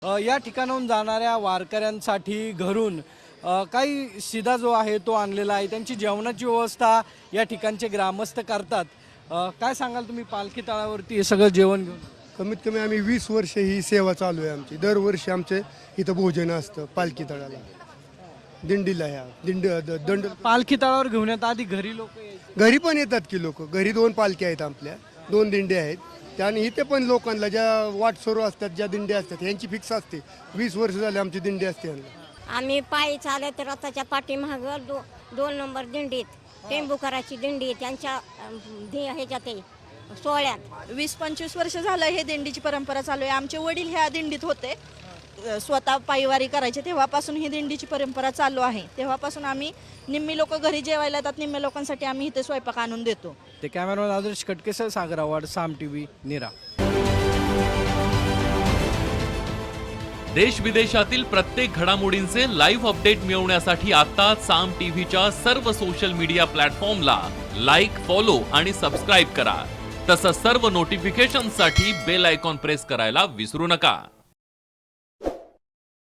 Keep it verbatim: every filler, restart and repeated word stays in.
अ, या ठिकाणाहून जाणाऱ्या वारकऱ्यांसाठी घरून अ, काही शिदा जो आहे तो आणलेला आहे. त्यांची जेवणाची व्यवस्था या ठिकाणचे ग्रामस्थ करतात. अ, काय सांगाल तुम्ही पालखी तळावरती हे सगळं जेवण घेऊन? कमीत कमी आम्ही वीस वर्ष ही सेवा चालू आहे आमची. दरवर्षी आमचे इथं भोजन असतं पालखी तळाला, दिंडीला. ह्या दिंड द- दंड पालखी तळावर घेऊन येतात आधी घरी लोक यायचे. घरी पण येतात की लोक. घरी दोन पालख्या आहेत आपल्या, दोन दिंडे आहेत. त्याने इथे पण लोकांना ज्या वाटसरू असतात, ज्या दिंडे असतात, यांची फिक्स असते. वीस वर्ष झाले आमची दिंडी असते यांना. आम्ही पायी चालत रथाच्या पाठीमाग दो दोन नंबर दिंडीत टेंबुकराची दिंडी त्यांच्या अं, धी- ह्याच्यात आहे, सोहळ्यात. वीस पंचवीस वर्ष झालं हे दिंडीची परंपरा चालू आहे. आमचे वडील ह्या दिंडीत होते, अ, स्वतः पायवारी करायचे. तेव्हापासून ही दिंडीची परंपरा चालू आहे. तेव्हापासून आम्ही निम्मी लोक घरी जेवायला येतात, निम्म्या लोकांसाठी आम्ही इथे स्वयंपाक आणून देतो. ते कॅमेरामॅन आदर्श कटकेसह सागर आव्हाड, साम टीव्ही, नीरा. देश विदेशातील प्रत्येक घडामोडींचे लाईव्ह अपडेट मिळवण्यासाठी आता साम टीव्हीच्या सर्व सोशल मीडिया प्लॅटफॉर्मला लाईक, फॉलो आणि सबस्क्राईब करा. तसंच सर्व नोटिफिकेशनसाठी बेल आयकॉन प्रेस करायला विसरू नका.